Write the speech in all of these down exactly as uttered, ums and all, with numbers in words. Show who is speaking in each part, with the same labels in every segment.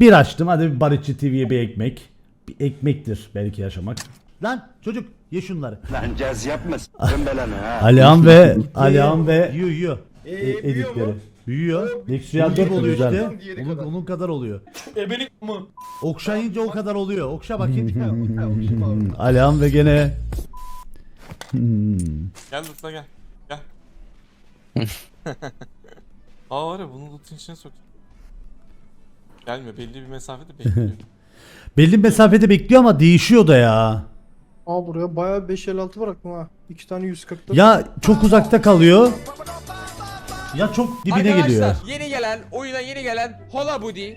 Speaker 1: Bir açtım, hadi bir Barışçı T V'ye bir ekmek. Bir ekmektir belki yaşamak. Lan çocuk ye şunları.
Speaker 2: Lan caz yapma s***ın belanı ha.
Speaker 1: Alihan ve Alihan ve yiyor yiyor.
Speaker 3: Ee,
Speaker 1: E,
Speaker 3: büyüyor
Speaker 1: editleri.
Speaker 3: mu?
Speaker 1: Büyüyor. Nexuyan dört oluyor
Speaker 3: Güzel.
Speaker 1: işte.
Speaker 3: Diğeri
Speaker 1: Onun,
Speaker 3: kadar.
Speaker 1: onun kadar oluyor.
Speaker 3: Ebelik mi?
Speaker 1: Okşayınca o kadar oluyor. Okşa bakayım.
Speaker 3: Okşayım abi.
Speaker 1: Alihan ve gene.
Speaker 4: Gel Lutla gel. Gel. Aa var ya bunu Lut'un içine sok. Gelmiyor, belli bir mesafede bekliyor.
Speaker 1: Belli mesafede bekliyor ama değişiyor da ya.
Speaker 5: Aa buraya bayağı beş elli altı bıraktım ha. iki tane yüz kırk dört.
Speaker 1: Ya çok uzakta kalıyor. Ya çok dibine
Speaker 6: Arkadaşlar,
Speaker 1: geliyor.
Speaker 6: yeni gelen, oyuna yeni gelen Hola Budi.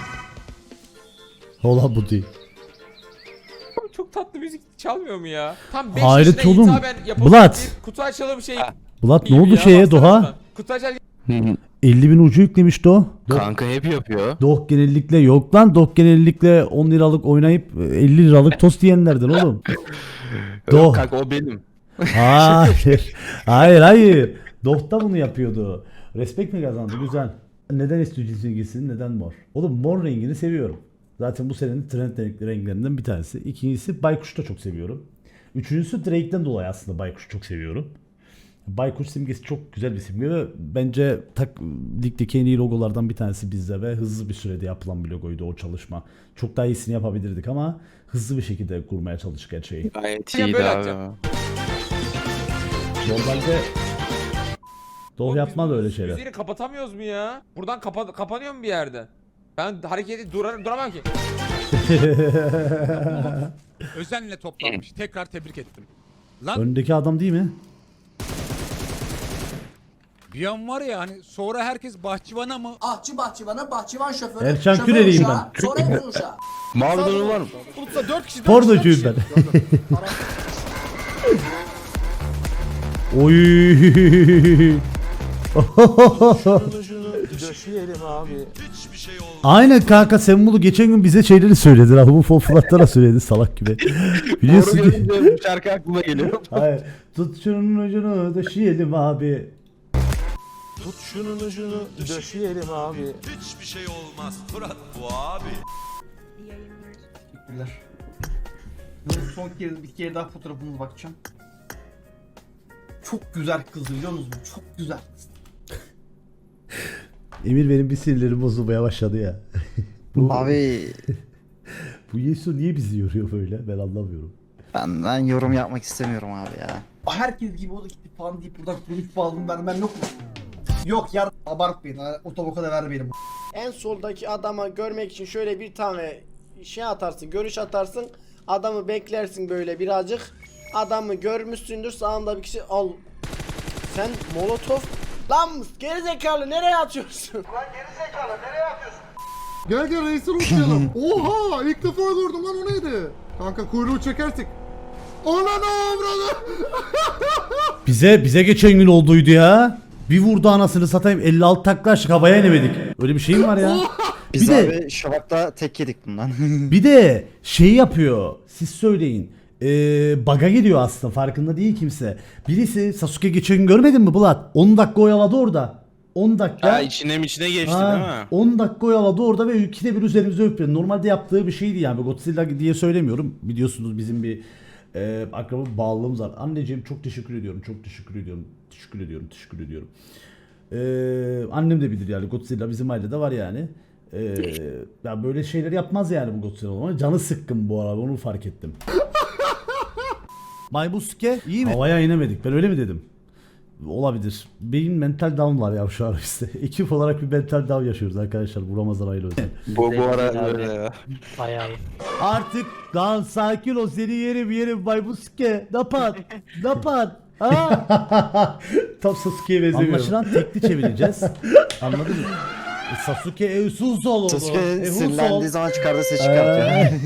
Speaker 1: Ola bu değil.
Speaker 6: Çok tatlı müzik çalmıyor mu ya? Tam beş
Speaker 1: Hayret
Speaker 6: yaşına
Speaker 1: oğlum.
Speaker 6: hitaben yapılmış
Speaker 1: Bulat.
Speaker 6: bir kutu açalım şey.
Speaker 1: Bulat ne
Speaker 6: gibi
Speaker 1: oldu
Speaker 6: ya,
Speaker 1: şeye
Speaker 6: baksana
Speaker 1: Doğa?
Speaker 6: şuna. Kutu açalım.
Speaker 1: elli bin ucu yüklemiş Doğa. Do
Speaker 7: Kanka hep yapıyor.
Speaker 1: Doh genellikle yok lan. Doh genellikle on liralık oynayıp elli liralık tost yiyenlerden oğlum. Doh.
Speaker 7: Yok kanka o benim.
Speaker 1: Hayır. Hayır hayır. Doh da bunu yapıyordu. Respekt mi kazandı? Güzel. Neden istiyorsun gitsin? Neden mor? Oğlum mor rengini seviyorum. Zaten bu senenin trend renklerinden bir tanesi. İkincisi Baykuş'u da çok seviyorum. Üçüncüsü Drake'den dolayı aslında Baykuş'u çok seviyorum. Baykuş simgesi çok güzel bir simge ve bence tak, ligdeki en iyi logolardan bir tanesi bizde ve hızlı bir sürede yapılan bir logoydu o çalışma. Çok daha iyisini yapabilirdik ama hızlı bir şekilde kurmaya çalıştık her şeyi.
Speaker 7: Gayet
Speaker 6: Ya
Speaker 7: iyiydi
Speaker 6: böyle
Speaker 7: abi.
Speaker 6: atacağım.
Speaker 1: Normalde Doh
Speaker 6: Oğlum
Speaker 1: yapmaz
Speaker 6: biz
Speaker 1: öyle
Speaker 6: bu
Speaker 1: şeyler.
Speaker 6: Müziğini kapatamıyoruz mu ya? Buradan kapa kapanıyor mu bir yerde? Ben hareketi durar duramam ki.
Speaker 8: Özenle toplanmış. Tekrar tebrik ettim. Lan
Speaker 1: Öndeki adam değil mi?
Speaker 8: bir an var ya hani sonra herkes bahçıvana mı?
Speaker 9: Ahçı bahçıvana, bahçıvan şoförü.
Speaker 1: Erşan
Speaker 9: şoför
Speaker 1: Küreliyim
Speaker 9: uşağı, Sonra evin uşağı.
Speaker 7: Mavi donu var mı?
Speaker 8: Bulutsa dört kişi.
Speaker 1: Pornocuyum ben. Oy. Aynen kanka sen bunu geçen gün bize şeyleri söyledin abi bu foflatlara söyledi salak gibi.
Speaker 7: Doğru
Speaker 1: Biliyorsun ki.
Speaker 7: görünce bu şarkı aklıma geliyor.
Speaker 1: Hayır. Tut şunun ucunu döşeyelim abi.
Speaker 4: Tut şunun ucunu döşeyelim abi.
Speaker 3: Teşekkürler. Bu son kez bir kere daha fotoğrafınıza bakacağım. Çok güzel kız biliyor musunuz? Çok güzel kız.
Speaker 1: Emir benim bir sinirlerim bozulmaya başladı ya. bu,
Speaker 10: Abi
Speaker 1: bu Yesu niye bizi yoruyor böyle ben anlamıyorum.
Speaker 10: ben, ben yorum yapmak istemiyorum abi ya.
Speaker 3: Herkes gibi o da gitti falan deyip buradan kuruluş bağladım vermem yok mu? Yok ya abartmayın. ha, Otoboka da vermeyelim.
Speaker 11: En soldaki adama görmek için şöyle bir tane şey atarsın, görüş atarsın. Adamı beklersin böyle birazcık. Adamı görmüşsündür, sağında bir kişi al. Sen molotof lan gerizekalı nereye atıyorsun? Lan gerizekalı nereye atıyorsun?
Speaker 5: Gel gel reisi uçlayalım. Oha ilk defa gördüm lan o neydi? Kanka kuyruğu çekersek. Ananı avradı.
Speaker 1: Bize bize geçen gün olduydu ya. Bir vurdu anasını satayım elli altı takla açtık havaya inemedik. Öyle bir şey mi var ya?
Speaker 10: Biz
Speaker 1: Bir de-
Speaker 10: abi Şavak'ta tek yedik bundan.
Speaker 1: Bir de şey yapıyor. Siz söyleyin. Ee, baga geliyor aslında farkında değil kimse. Birisi Sasuke geçen gün görmedin mi Bulat? on dakika oyaladı orada. on dakika.
Speaker 7: Ha içine içine geçti
Speaker 1: Ha,
Speaker 7: değil mi?
Speaker 1: on dakika oyaladı orada ve ikide bir üzerimize öpüyor. Normalde yaptığı bir şeydi yani. Godzilla diye söylemiyorum. Biliyorsunuz bizim bir e, akraba bağlılığımız var. Anneciğim çok teşekkür ediyorum. Çok teşekkür ediyorum. Teşekkür ediyorum. Teşekkür ediyorum. Ee, annem de bilir yani Godzilla bizim ailede var yani. Ee, ya böyle şeyler yapmaz yani bu Godzilla ama canı sıkkın bu arada onu fark ettim. Maybuske iyi mi? Havaya inemedik ben öyle mi dedim? Olabilir. Beyin mental down var ya şu an işte. Ekip olarak bir mental down yaşıyoruz arkadaşlar. Bu Ramazan ayıyla özel.
Speaker 7: Bu, bu ara öyle ya.
Speaker 1: Artık lan sakin ol seni yerim yerim Maybuske. Napat. Napat. Ha? Tam Sasuke'ye benzemiyor. Anlaşılan tekli çevireceğiz. Anladın mı? E, Sasuke evsuz oldu.
Speaker 10: Sasuke sinirlendiği zaman çıkardığı ses çıkartıyor.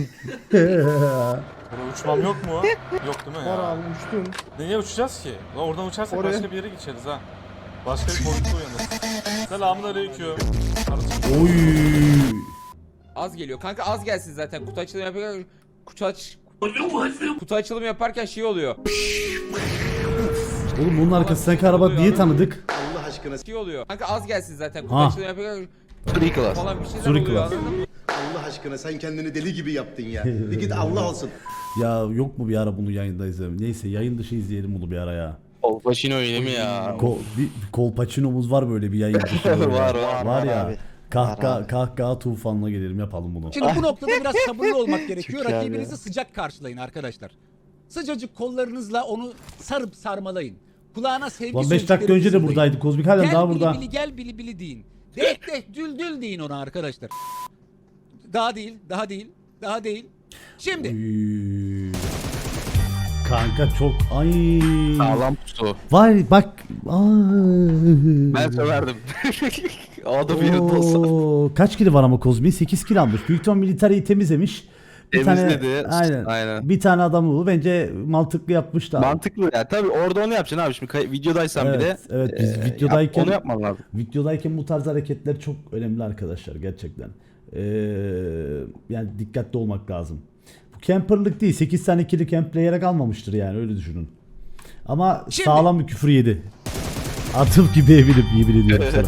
Speaker 4: Burada uçmam yok mu? Yok değil mi
Speaker 5: Var
Speaker 4: ya?
Speaker 5: abi uçtum.
Speaker 4: Niye uçacağız ki? Lan oradan uçarsak
Speaker 5: Oraya.
Speaker 4: başka bir yere geçeriz ha. Başka bir boyutta uyanırız. Selamünaleyküm.
Speaker 1: Oy.
Speaker 6: Az geliyor. Kanka az gelsin zaten. Kutu açılımı yaparken kutu aç kutu açılımı yaparken şey oluyor.
Speaker 1: Oğlum bunun arkasındaki araba niye tanıdık?
Speaker 6: Şey oluyor. Kanka az gelsin zaten. Kutu
Speaker 1: Ha.
Speaker 6: açılımı yaparken
Speaker 7: Free class.
Speaker 6: falan bir şeyler
Speaker 1: Zuri
Speaker 6: oluyor.
Speaker 1: class.
Speaker 6: Anladın mı?
Speaker 3: Allah
Speaker 5: aşkına sen kendini deli gibi yaptın ya. Bir git Allah olsun.
Speaker 1: Ya yok mu bir ara bunu yayında izleyelim? Neyse yayın dışı izleyelim bunu bir ara ya.
Speaker 7: Kolpaçino öyle mi ya?
Speaker 1: Ko bir, bir kolpaçinomuz var böyle bir yayın dışı. böyle.
Speaker 7: Var,
Speaker 1: Var
Speaker 7: var,
Speaker 10: var
Speaker 1: ya.
Speaker 10: abi.
Speaker 1: Kahkaha,
Speaker 10: Var abi.
Speaker 1: kahkaha tufanına gelelim yapalım bunu.
Speaker 8: Şimdi bu noktada biraz sabırlı olmak gerekiyor.
Speaker 10: Çok iyi abi
Speaker 8: Rakibinizi
Speaker 10: ya.
Speaker 8: sıcak karşılayın arkadaşlar. Sıcacık kollarınızla onu sarıp sarmalayın. Kulağına sevgi
Speaker 1: Lan beş dakika önce de
Speaker 8: sözcüklerinizi
Speaker 1: buradaydı Kozmik halen
Speaker 8: Gel
Speaker 1: daha
Speaker 8: bili
Speaker 1: burada.
Speaker 8: bili gel bili bili deyin. Direkt de dül dül deyin ona arkadaşlar. Daha değil, daha değil, daha değil. Şimdi
Speaker 1: Üy. Kanka çok ay.
Speaker 7: Sağlam pusu.
Speaker 1: Var bak. Aa.
Speaker 7: Ben söverdim. O da bir yanında olsa.
Speaker 1: Oo, kaç kilo var ama Kozmi? sekiz kilo almış. Büyük ihtimal militariyi temizlemiş. Bir
Speaker 7: Temizledi.
Speaker 1: Tane, aynen.
Speaker 7: Aynen.
Speaker 1: Bir tane adam bu. Bence mantıklı yapmış da.
Speaker 7: Mantıklı ya. Tabii orada onu yapacaksın abi. Şimdi kay- videodaysan
Speaker 1: Evet,
Speaker 7: bir de.
Speaker 1: evet, biz
Speaker 7: e,
Speaker 1: videodayken-
Speaker 7: yap- onu yapman lazım.
Speaker 1: Videodayken bu tarz hareketler çok önemli arkadaşlar gerçekten. Ee, yani dikkatli olmak lazım. Bu camperlık değil. sekiz tane kili campleyerek almamıştır yani öyle düşünün. Ama
Speaker 8: Şimdi-
Speaker 1: sağlam bir küfür yedi. Atıp gibi eminim yemin ediyorum sana.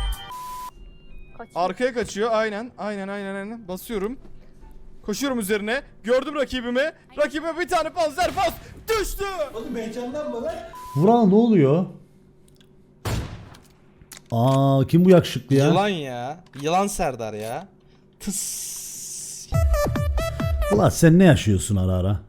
Speaker 5: Arkaya kaçıyor aynen. Aynen aynen aynen. Basıyorum. Koşuyorum üzerine. Gördüm rakibimi. Rakibe bir tane panzer pas. Düştü.
Speaker 1: Vural ne oluyor? Aa kim bu yakışıklı ya?
Speaker 2: Yılan ya. Yılan Serdar ya. Tıs.
Speaker 1: Ulan sen ne yaşıyorsun ara ara?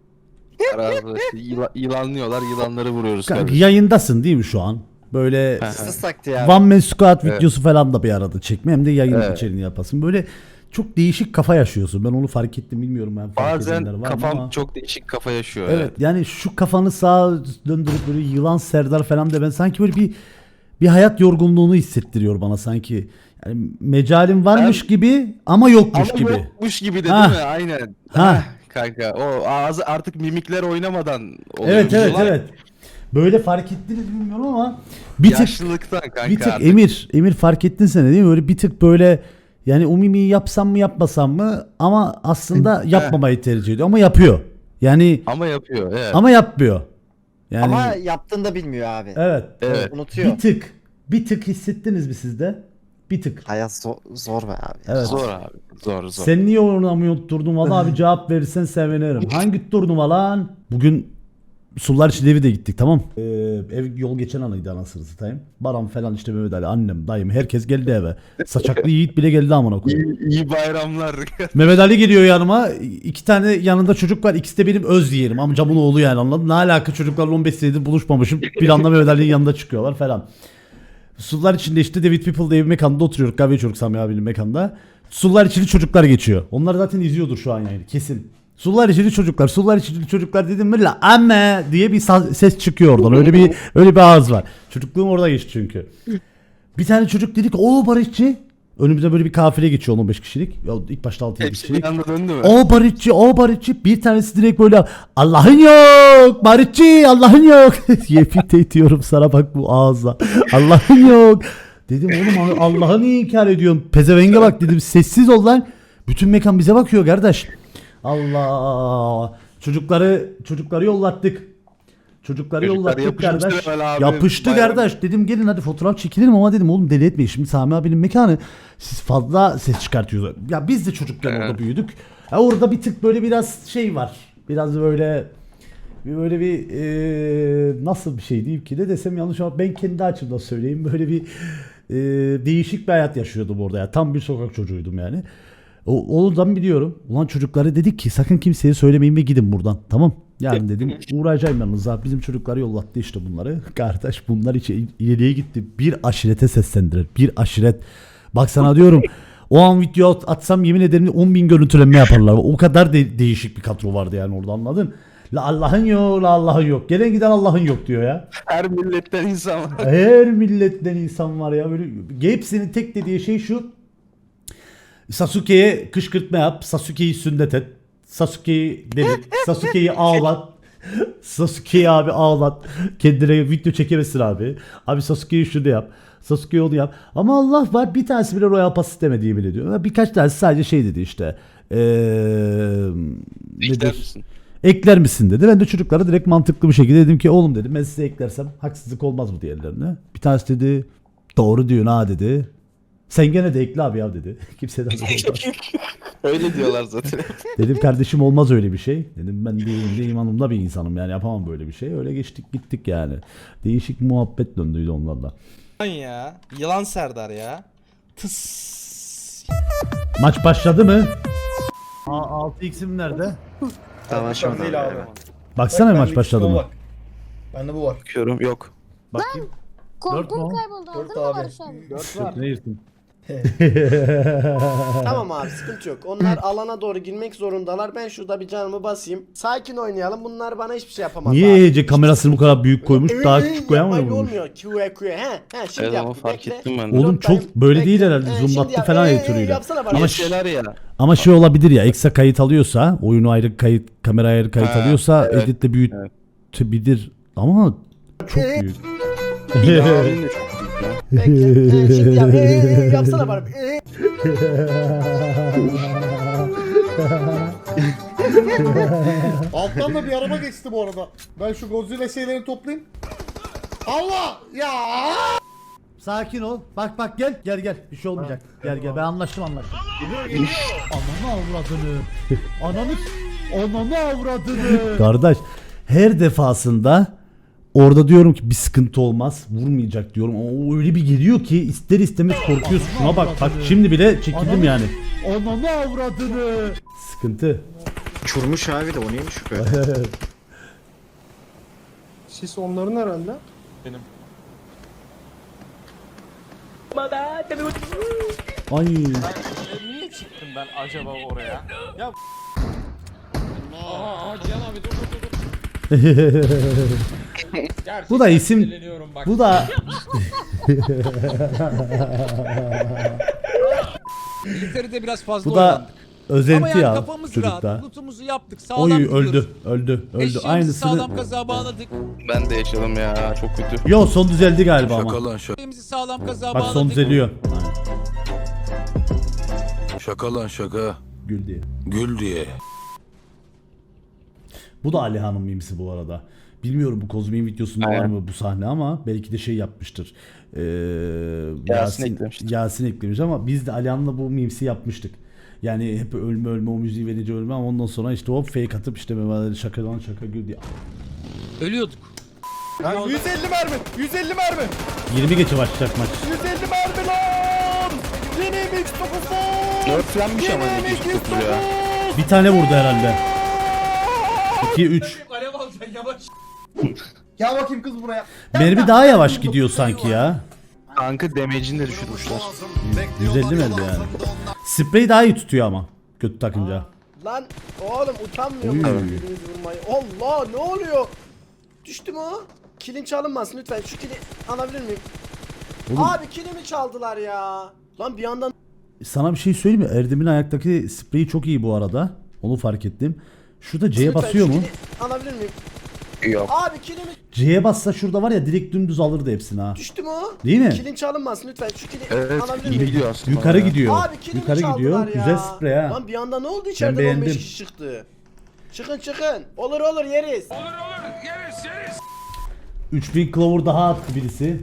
Speaker 7: Arada işte yıla- yılanlıyorlar. Yılanları vuruyoruz.
Speaker 1: Kanka
Speaker 7: kardeşim.
Speaker 1: yayındasın değil mi şu an? Böyle
Speaker 10: Sız taktı ya.
Speaker 1: One Man Squad
Speaker 7: Evet.
Speaker 1: videosu falan da bir arada çekme hem de yayın
Speaker 7: Evet.
Speaker 1: içeriğini yapasın. Böyle çok değişik kafa yaşıyorsun. Ben onu fark ettim bilmiyorum ben fark edenler
Speaker 7: Bazen
Speaker 1: var mı
Speaker 7: kafam
Speaker 1: ama.
Speaker 7: çok değişik kafa yaşıyor.
Speaker 1: Evet yani şu kafanı sağa döndürüp böyle yılan Serdar falan de ben sanki böyle bir bir hayat yorgunluğunu hissettiriyor bana sanki. Yani mecalim varmış
Speaker 7: Ben-
Speaker 1: gibi ama yokmuş
Speaker 7: Ama
Speaker 1: gibi.
Speaker 7: yokmuş gibi de
Speaker 1: Ha.
Speaker 7: değil mi? Aynen.
Speaker 1: Ha.
Speaker 7: Ha. Kanka o ağzı artık mimikler oynamadan oluyor.
Speaker 1: Evet evet
Speaker 7: Yılan
Speaker 1: evet. Böyle fark ettiniz bilmiyorum ama bir tık
Speaker 7: Yaşlılıktan kanka
Speaker 1: bir tık
Speaker 7: artık.
Speaker 1: Emir Emir fark ettin sen de değil mi? Böyle bir tık böyle yani o mimiği yapsam mı yapmasam mı ama aslında yapmamayı tercih ediyor ama yapıyor. Yani
Speaker 7: Ama yapıyor evet.
Speaker 1: ama yapmıyor. Yani
Speaker 10: Ama yaptığını da bilmiyor abi.
Speaker 1: evet.
Speaker 7: Evet.
Speaker 10: Unutuyor.
Speaker 1: Bir tık bir tık hissettiniz mi siz de? Bir tık.
Speaker 10: Hayat zor, zor be abi.
Speaker 1: Evet.
Speaker 7: Zor abi. Zor zor.
Speaker 1: Sen niye oynamıyorsun turnuvalı abi cevap verirsen sevinirim. Hangi turnuva lan? Bugün Sular için evi de gittik tamam. Ee, ev yol geçen anıydı anasını satayım. Baran falan işte Mehmet Ali annem dayım herkes geldi eve. Saçaklı Yiğit bile geldi amına koyayım.
Speaker 7: İyi, iyi bayramlar.
Speaker 1: Mehmet Ali geliyor yanıma. İki tane yanında çocuk var. İkisi de benim öz yeğenim. Amcamın oğlu yani anladın. Ne alaka çocuklarla on beş senedir buluşmamışım. Bir anda Mehmet Ali'nin yanında çıkıyorlar falan. Sular içinde işte David People'da ev mekanda oturuyoruz. Kahve içiyoruz Sami abinin mekanda. Sular içinde çocuklar geçiyor. Onlar zaten izliyordur şu an yani kesin. Sular içinde çocuklar, sular içinde çocuklar dedim mi la amme diye bir sa- ses çıkıyor oradan. Öyle bir öyle bir ağız var. Çocukluğum orada geçti çünkü. Bir tane çocuk dedik o Barışçı. Önümüze böyle bir kafile geçiyor on beş kişilik. Ya ilk başta altı yedi
Speaker 7: Hepsi
Speaker 1: kişilik.
Speaker 7: bir anda döndü mü?
Speaker 1: O Barışçı, o Barışçı. Bir tanesi direkt böyle Allah'ın yok. Barışçı, Allah'ın yok. Yemin ediyorum sana bak bu ağızla. Allah'ın yok. Dedim oğlum Allah'ı niye inkar ediyorsun? Pezevenge bak dedim. Sessiz ol lan. Bütün mekan bize bakıyor kardeş. Allah. Çocukları çocukları yollattık. Çocukları
Speaker 7: Çocuklar
Speaker 1: yollattık
Speaker 7: yapışmıştır
Speaker 1: kardeş.
Speaker 7: hemen abi,
Speaker 1: Yapıştı
Speaker 7: bayağı.
Speaker 1: kardeş. Dedim gelin hadi fotoğraf çekilelim ama dedim oğlum deli etmeyin. Şimdi Sami abinin mekanı siz fazla ses çıkartıyorsunuz. Ya biz de çocukken orada büyüdük. Ya orada bir tık böyle biraz şey var. Biraz böyle bir böyle bir eee, nasıl bir şey diyeyim ki ne desem yanlış ama ben kendi açımdan söyleyeyim. Böyle bir eee, değişik bir hayat yaşıyordum orada ya. Tam bir sokak çocuğuydum yani. O, oradan biliyorum. Ulan çocuklara dedik ki sakın kimseye söylemeyin ve gidin buradan. Tamam. Yani dedim uğrayacağım yalnız abi. Bizim çocukları yollattı işte bunları. Kardeş bunlar içi ileriye gitti. Bir aşirete seslendirir. Bir aşiret. Bak sana diyorum. O an video at- atsam yemin ederim on bin görüntülenme yaparlar. O kadar de- değişik bir kadro vardı yani orada anladın. La Allah'ın yok, la Allah'ın yok. Gelen giden Allah'ın yok diyor ya.
Speaker 7: Her milletten insan var.
Speaker 1: Her milletten insan var ya. Böyle hepsinin tek dediği şey şu. Sasuke'ye kışkırtma yap. Sasuke'yi sünnet et. Sasuke'yi delirt. Sasuke'yi ağlat. Sasuke'yi abi ağlat. Kendine video çekemesin abi. Abi Sasuke'yi şunu yap. Sasuke'yi onu yap. Ama Allah var bir tanesi bile Royal Pass istemediği bile diyor. Birkaç tanesi sadece şey dedi işte. Eee
Speaker 7: İster
Speaker 1: nedir?
Speaker 7: misin?
Speaker 1: Ekler misin dedi. Ben de çocuklara direkt mantıklı bir şekilde dedim ki oğlum dedim ben size eklersem haksızlık olmaz mı diğerlerine. Bir tanesi dedi doğru diyorsun ha dedi. Sen gene de ekle abi ya dedi. Kimseden olmaz.
Speaker 7: Öyle diyorlar zaten.
Speaker 1: Dedim kardeşim olmaz öyle bir şey. Dedim ben değilim imanımda bir insanım yani yapamam böyle bir şey. Öyle geçtik gittik yani. Değişik muhabbet döndüydü onlarla.
Speaker 2: Lan ya. Yılan Serdar ya. Tıs.
Speaker 1: Maç başladı mı? altı x'im nerede?
Speaker 10: Tamam
Speaker 3: Şu an
Speaker 10: şimdi
Speaker 3: değil abi.
Speaker 1: Baksana
Speaker 3: Bak,
Speaker 1: maç
Speaker 3: bende
Speaker 1: başladı
Speaker 3: ikisi
Speaker 1: mı?
Speaker 3: var. Bende bu var.
Speaker 7: Bakıyorum yok.
Speaker 1: Bakayım. Dört mü?
Speaker 9: Kompum
Speaker 1: o?
Speaker 9: kayboldu.
Speaker 3: Dört
Speaker 9: Aldın mı
Speaker 3: abi.
Speaker 9: Barış abi?
Speaker 1: Dört ne yersin?
Speaker 11: Tamam abi sıkıntı yok. Onlar alana doğru girmek zorundalar. Ben şurada bir canımı basayım. Sakin oynayalım. Bunlar bana hiçbir şey yapamaz
Speaker 1: Niye
Speaker 11: abi.
Speaker 1: E C kamerasını bu kadar büyük koymuş?
Speaker 11: Ee,
Speaker 1: Daha
Speaker 11: ee,
Speaker 1: küçük koyamıyor
Speaker 11: yapmayla
Speaker 1: muymuş?
Speaker 11: olmuyor. Q Q. He, he şimdi
Speaker 7: Evet ama
Speaker 11: yaptım.
Speaker 7: fark
Speaker 11: Bekle.
Speaker 7: ettim ben de.
Speaker 1: Oğlum çok
Speaker 11: Bekle.
Speaker 1: böyle değil herhalde.
Speaker 11: Ee, şimdi
Speaker 1: Zoomlattı
Speaker 11: yap.
Speaker 1: falan
Speaker 11: Ee,
Speaker 1: editoriyle.
Speaker 11: yapsana bana.
Speaker 1: Ama,
Speaker 7: Şeyler ya.
Speaker 1: ama şey olabilir ya. Ekstra kayıt alıyorsa, oyunu ayrı kayıt, kamera ayrı kayıt
Speaker 7: Ha,
Speaker 1: alıyorsa
Speaker 7: evet,
Speaker 1: editle büyütebilir. Ama çok
Speaker 11: Ee,
Speaker 1: büyük.
Speaker 7: Abinin de çok büyük ya.
Speaker 11: Bekle. Ee, şimdi yap. Ee, ee, yapsana bana. Ee.
Speaker 5: Alttan da bir araba geçti bu arada. Ben şu Godzilla şeylerini toplayayım. Allah! Ya!
Speaker 1: Sakin ol. Bak bak gel. Gel gel. Bir şey olmayacak. Gel gel. Ben anlaştım anlaştım. Ananı avradını. Ananı ananı avradını. Kardeş her defasında orada diyorum ki bir sıkıntı olmaz. Vurmayacak diyorum. Ama o öyle bir geliyor ki ister istemez korkuyorsun. Şuna bak bak şimdi bile çekildim yani. Ananı avradını. Sıkıntı.
Speaker 10: Uçurmuş abi de o neymiş şu kadar.
Speaker 5: Siz onların herhalde.
Speaker 4: Benim.
Speaker 1: Ay.
Speaker 4: Niye çıktım ben acaba oraya? Ya
Speaker 6: Aa, Cihan abi dur dur dur. dur. Gerçekten
Speaker 1: Bu da isim-
Speaker 6: sinirleniyorum bak.
Speaker 1: Bu da
Speaker 8: İngiltere'de biraz fazla
Speaker 1: bu da
Speaker 8: oynandık. Ama
Speaker 1: özenti
Speaker 8: yani
Speaker 1: ya
Speaker 8: kafamız
Speaker 1: çocukta.
Speaker 8: rahat. Lootumuzu yaptık. Sağlam
Speaker 1: Oy
Speaker 8: gidiyoruz.
Speaker 1: öldü öldü öldü.
Speaker 8: Eşeğimizi
Speaker 1: Aynısını.
Speaker 8: sağlam kazığa bağladık.
Speaker 7: Ben de yaşadım ya. Çok kötü.
Speaker 1: Yo son düzeldi galiba ama.
Speaker 12: Şaka lan şaka,
Speaker 8: Eşeğimizi sağlam kazığa
Speaker 1: Bak
Speaker 8: bağladık.
Speaker 1: son düzeliyor.
Speaker 12: şaka lan şaka.
Speaker 1: Gül diye.
Speaker 12: Gül diye.
Speaker 1: Bu da Alihan'ın mimisi bu arada. Bilmiyorum bu Kozmi'nin videosunda var
Speaker 7: Aynen.
Speaker 1: mı bu sahne ama belki de şey yapmıştır. Ee,
Speaker 7: Yasin eklemiştir.
Speaker 1: Yasin eklemiş ama biz de Alihan'la bu mimsi yapmıştık. Yani hep ölme ölme o müziği verince ölme ama ondan sonra işte hop fake atıp işte böyle şaka lan şaka gül diye.
Speaker 8: Ölüyorduk.
Speaker 3: yüz elli mermi. yüz elli mermi.
Speaker 1: yirmi geçe başlayacak maç.
Speaker 3: yüz elli mermi lan. Yeni M X dokuz lan.
Speaker 7: Nerflenmiş ama iki yüz dokuz ya.
Speaker 1: Bir tane vurdu herhalde. iki üç.
Speaker 8: Alev alacaksın yavaş.
Speaker 3: Gel bakayım kız buraya.
Speaker 1: Mermi daha yavaş gidiyor sanki ya.
Speaker 7: Kanka damage'ini de düşürmüşler.
Speaker 1: yüz elli mi elde yani? Sprey daha iyi tutuyor ama. Kötü takınca.
Speaker 11: Lan oğlum utanmıyor
Speaker 1: Oy.
Speaker 11: musun birbirinizi vurmayı? Allah ne oluyor? Düştü mü o? Kilin çalınmasın lütfen. Şu kili alabilir miyim?
Speaker 1: Oğlum-
Speaker 11: Abi kilimi çaldılar ya. Lan bir yandan
Speaker 1: Sana bir şey söyleyeyim mi? Erdem'in ayaktaki spreyi çok iyi bu arada. Onu fark ettim. Şurada C'ye
Speaker 11: lütfen
Speaker 1: basıyor
Speaker 11: şu
Speaker 1: mu?
Speaker 11: kili alabilir miyim?
Speaker 7: Yok.
Speaker 11: Abi kilimi
Speaker 1: C'ye bassa şurada var ya direkt dümdüz alırdı hepsini ha.
Speaker 11: düştü mü o?
Speaker 1: Değil mi?
Speaker 11: Kilin çalınmasın lütfen. Şu kili
Speaker 7: Evet
Speaker 11: alabilir
Speaker 7: iyi
Speaker 11: miyim?
Speaker 7: gidiyor aslında.
Speaker 1: Yukarı
Speaker 7: ya.
Speaker 1: gidiyor.
Speaker 11: Abi kilimi
Speaker 1: Yukarı
Speaker 11: çaldılar
Speaker 1: gidiyor.
Speaker 11: ya.
Speaker 1: Güzel sprey ha.
Speaker 11: Lan bir anda ne oldu içeriden on
Speaker 1: beğendim.
Speaker 11: beş kişi çıktı. Çıkın çıkın. Olur olur yeriz.
Speaker 1: üç bin Clover daha attı birisi.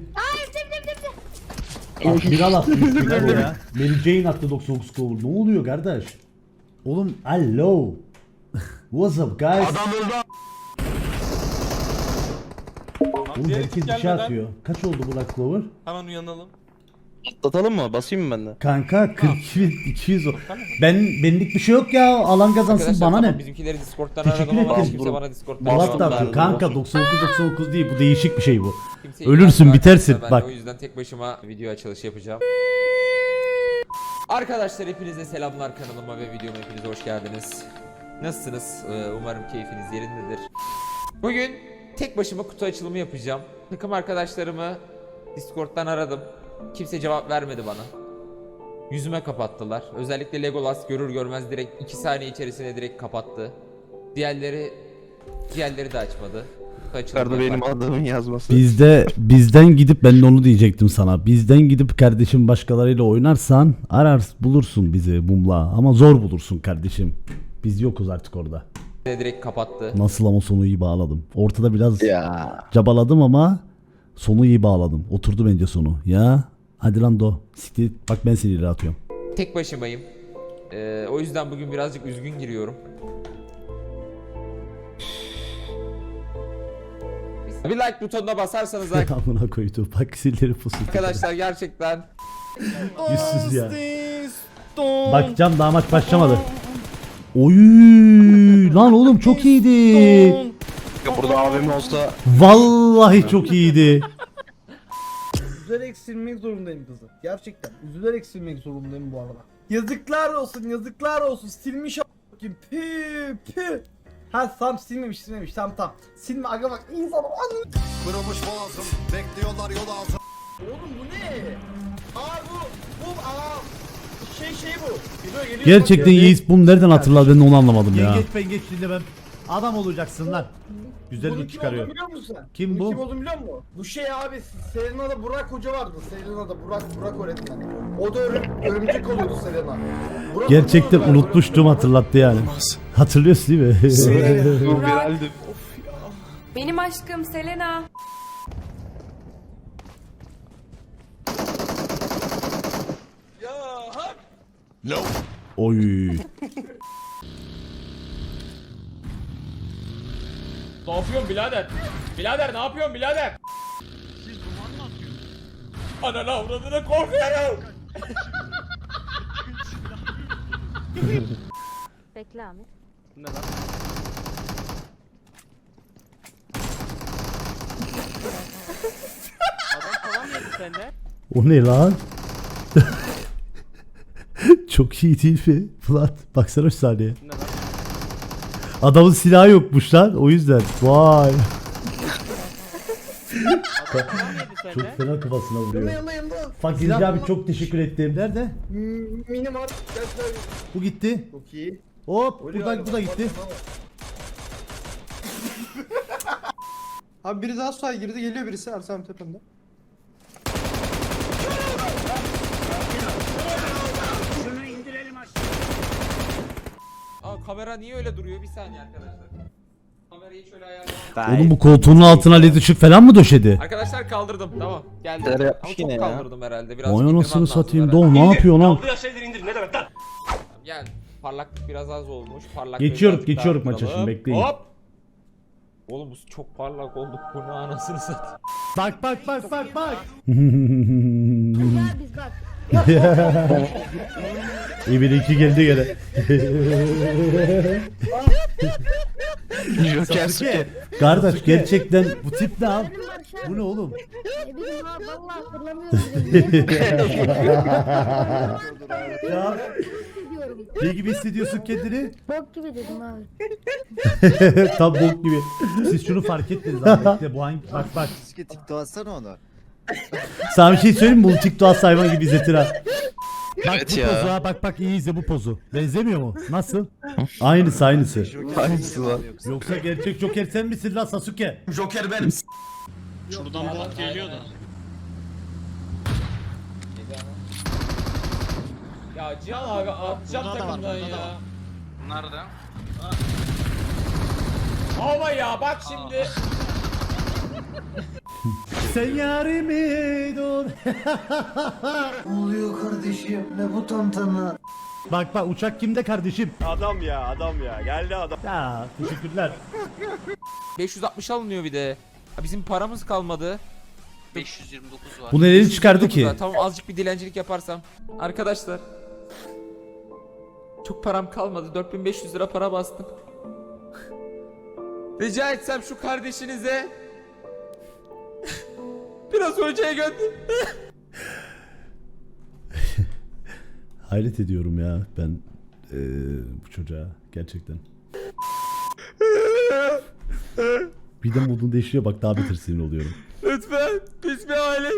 Speaker 1: Admiral attı üç bin Clover ya. Mary Jane attı doksan dokuz Clover. Ne oluyor kardeş? Oğlum hello. What's up guys? Oğlum
Speaker 4: Diğer
Speaker 1: herkes
Speaker 4: ekip
Speaker 1: bir şey
Speaker 4: gelmeden
Speaker 1: atıyor. Kaç oldu bu Black Clover?
Speaker 4: hemen uyanalım.
Speaker 7: Atlatalım mı? Basayım mı ben de?
Speaker 1: Kanka kırk iki bin iki yüz o. Ben benlik bir şey yok ya. Alan kazansın
Speaker 6: Arkadaşlar
Speaker 1: bana
Speaker 6: tamam,
Speaker 1: ne?
Speaker 6: bizimkileri Discord'dan
Speaker 1: Teşekkür
Speaker 6: aradım ama
Speaker 1: ederim.
Speaker 6: hiç kimse bana Discord'dan
Speaker 1: Polat
Speaker 6: cevap
Speaker 1: da atıyor.
Speaker 6: vermedi.
Speaker 1: Kanka doksan dokuz doksan dokuz değil bu değişik bir şey bu.
Speaker 6: Kimse
Speaker 1: Ölürsün,
Speaker 6: ilgilenmiyor
Speaker 1: bitersin.
Speaker 6: arkadaşlar, ben de
Speaker 1: Bak.
Speaker 6: O yüzden tek başıma video açılışı yapacağım. Arkadaşlar hepinize selamlar, kanalıma ve videoma hepiniz hoş geldiniz. Nasılsınız? Ee, Umarım keyfiniz yerindedir. Bugün tek başıma kutu açılımı yapacağım. Takım arkadaşlarımı Discord'dan aradım. Kimse cevap vermedi bana. Yüzüme kapattılar. Özellikle Legolas görür görmez direkt iki saniye içerisinde direkt kapattı. Diğerleri diğerleri de açmadı. Kutu açılımı
Speaker 7: Yukarıda benim
Speaker 6: yaparken-
Speaker 7: adımın yazması.
Speaker 1: Bizde bizden gidip ben de onu diyecektim sana. Bizden gidip kardeşim başkalarıyla oynarsan arar bulursun bizi mumla ama zor bulursun kardeşim. Biz yokuz artık orada.
Speaker 6: direkt kapattı.
Speaker 1: Nasıl ama sonu iyi bağladım. Ortada biraz
Speaker 7: Ya.
Speaker 1: cabaladım ama sonu iyi bağladım. Oturdu bence sonu. Ya hadi lan do. Siktir. Bak ben seni ileri atıyorum.
Speaker 6: Tek başımayım. Ee, o yüzden bugün birazcık üzgün giriyorum. Bir like butonuna basarsanız
Speaker 1: Amına koydu. Bak silleri pusu.
Speaker 6: arkadaşlar gerçekten
Speaker 1: Yüzsüz ya. Bakacağım daha maç başlamadı. Oy lan oğlum çok iyiydi.
Speaker 7: Ya burada A V M olsa
Speaker 1: Vallahi çok iyiydi.
Speaker 3: Üzülerek silmek zorundayım kızı. Gerçekten. Üzülerek silmek zorundayım bu arada. Yazıklar olsun, yazıklar olsun. Silmiş a**kim. Pü pü. Ha tam silmemiş, silmemiş. Tam tam. Silme aga bak insan anlıyor.
Speaker 5: Kırılmış boğazım. Bekliyorlar yol altı.
Speaker 3: Oğlum bu ne? Aa bu bu aa şey şey bu. Geliyor, geliyor.
Speaker 1: Gerçekten Yiğit bunu nereden hatırladı ben onu anlamadım ya.
Speaker 3: Yengeç
Speaker 1: pengeç dinlemem. Adam olacaksın lan. Güzel
Speaker 3: Bunun
Speaker 1: bir
Speaker 3: kim
Speaker 1: çıkarıyor.
Speaker 3: olduğunu biliyor musun sen?
Speaker 1: Kim
Speaker 3: Bunun
Speaker 1: bu?
Speaker 3: Kim olduğunu biliyor musun? Bu şey abi Selena'da Burak Hoca vardı. Selena'da Burak Burak öğretmen. O da örüm, örümcek oluyordu Selena. Burak
Speaker 1: Gerçekten
Speaker 3: Hoca vardı.
Speaker 1: unutmuştum hatırlattı yani. Hatırlıyorsun değil mi?
Speaker 7: viraldim.
Speaker 9: Benim aşkım Selena.
Speaker 1: Oy.
Speaker 6: ne yapıyorsun birader? Birader ne yapıyorsun birader? Ananı avradını korkuyorum.
Speaker 9: Bekle Ahmet.
Speaker 1: O ne lan? Çok iyi değil mi? Flat baksana şu saniye. Adamın silahı yokmuş lan o yüzden. Vay. Çok fena kafasına vuruyor.
Speaker 3: Yanında yanında.
Speaker 1: Fakir abi çok teşekkür ettim. Nerede?
Speaker 3: Hmm, Mini var. Gel şöyle.
Speaker 1: Bu gitti.
Speaker 3: Çok iyi.
Speaker 1: Hop
Speaker 3: Oluyor
Speaker 1: buradan
Speaker 3: abi,
Speaker 1: bu da
Speaker 3: bak,
Speaker 1: gitti.
Speaker 3: bak, bak. Abi biri daha suya girdi geliyor birisi Ersem tepemde.
Speaker 6: Aa kamera niye öyle duruyor? Bir saniye arkadaşlar. Kamerayı şöyle ayarlayalım.
Speaker 1: Oğlum bu koltuğunun altına led ışık falan mı döşedi?
Speaker 6: Arkadaşlar kaldırdım. Tamam. Geldi.
Speaker 7: Neler
Speaker 6: Ama
Speaker 7: yapmış
Speaker 6: çok
Speaker 7: yine ya?
Speaker 6: kaldırdım herhalde. Biraz
Speaker 1: Vay
Speaker 6: indirmem
Speaker 1: anasını
Speaker 6: lazım
Speaker 1: satayım.
Speaker 6: herhalde.
Speaker 1: Doğu ne yapıyor lan?
Speaker 6: Gel. Parlaklık biraz az olmuş. Parlaklık
Speaker 1: Geçiyoruz
Speaker 6: biraz daha
Speaker 1: geçiyoruz maça
Speaker 6: arttıralım.
Speaker 1: şimdi bekleyin.
Speaker 6: Hop. Oğlum bu çok parlak oldu. Bu ne anasını satayım.
Speaker 1: Bak bak bak bak bak.
Speaker 9: Ya biz bak.
Speaker 1: İyi bir iki geldi gene.
Speaker 7: Joker Suke.
Speaker 1: Kardeş gerçekten bu tip ne abi?
Speaker 9: Benim var şu an.
Speaker 1: Bu ne oğlum?
Speaker 9: Ne bileyim ha vallahi hatırlamıyorum. bile.
Speaker 1: Ya
Speaker 9: Diyorum.
Speaker 1: ne gibi hissediyorsun kendini?
Speaker 9: Bok gibi dedim abi.
Speaker 1: Tam bok gibi. Siz şunu fark ettiniz abi. Bekle, bu hangi bak bak.
Speaker 10: TikTok atsana onu.
Speaker 1: Sana bir şey söyleyeyim mi? Bu TikTok hayvan gibi izletir ha. Bak
Speaker 7: Evet
Speaker 1: bu
Speaker 7: ya.
Speaker 1: pozu ha bak bak iyi izle bu pozu. Benzemiyor mu? Nasıl? Aynısı aynısı.
Speaker 7: Hangisi lan?
Speaker 1: Yoksa gerçek Joker sen misin lan Sasuke?
Speaker 12: Joker benim.
Speaker 6: Şuradan bot geliyor da. Ya Cihan abi atacağım takımdan ya.
Speaker 12: Nerede?
Speaker 6: Ama ya bak şimdi.
Speaker 1: Sen yarimi dur.
Speaker 3: Ne oluyor kardeşim? Ne bu tantana?
Speaker 1: Bak bak uçak kimde kardeşim?
Speaker 10: Adam ya adam ya geldi adam.
Speaker 1: Ya teşekkürler.
Speaker 6: beş yüz altmış alınıyor bir de. Ha, bizim paramız kalmadı.
Speaker 2: beş yüz yirmi dokuz var.
Speaker 1: Bu neleri çıkardı ki?
Speaker 6: Tamam azıcık bir dilencilik yaparsam. Arkadaşlar. Çok param kalmadı. dört bin beş yüz lira para bastım. Rica etsem şu kardeşinize biraz hocaya gönder.
Speaker 1: Hayret ediyorum ya ben eee, bu çocuğa gerçekten. Bir de modun değişiyor bak daha beter sinir oluyorum.
Speaker 6: Lütfen biz bir aile.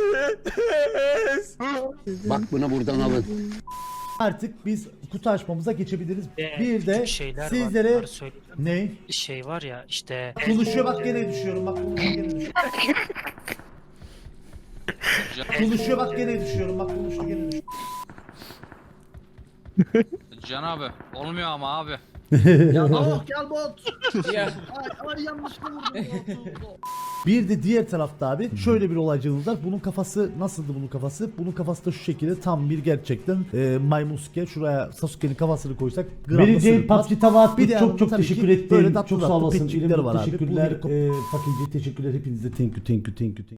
Speaker 10: Bak bunu buradan alın.
Speaker 1: Artık biz kutu açmamıza geçebiliriz.
Speaker 13: Ee,
Speaker 1: Bir de
Speaker 13: şeyler
Speaker 1: sizlere
Speaker 13: var, söyleyeyim.
Speaker 1: ne?
Speaker 13: Şey var ya işte
Speaker 1: Konuşuyor bak gene düşüyorum bak konuşuyor gene düşüyorum. Konuşuyor bak gene düşüyorum bak konuşuyor gene düşüyorum.
Speaker 2: Can abi olmuyor ama abi.
Speaker 3: Ya oh gel bot.
Speaker 6: Ya.
Speaker 3: Ay, ay yanlışlıkla vurdum botu.
Speaker 1: Bir de diğer tarafta abi şöyle bir olaycılığımız var. Bunun kafası nasıldı bunun kafası? Bunun kafası da şu şekilde tam bir gerçekten e, maymunsuke. Şuraya Sasuke'nin kafasını koysak
Speaker 2: Vereceğin
Speaker 1: sırıtmaz.
Speaker 2: PUBG tava
Speaker 1: Bir de
Speaker 2: çok
Speaker 1: yanında
Speaker 2: çok
Speaker 1: tabii
Speaker 2: teşekkür
Speaker 1: ki
Speaker 2: ettim.
Speaker 1: böyle tatlı
Speaker 2: Çok sağ
Speaker 1: tatlı
Speaker 2: olasın.
Speaker 1: petçikler var abi.
Speaker 2: Teşekkürler.
Speaker 1: Bu helikop-
Speaker 2: Ee, Fakirci teşekkürler hepinize. Thank you thank you thank you. Thank you.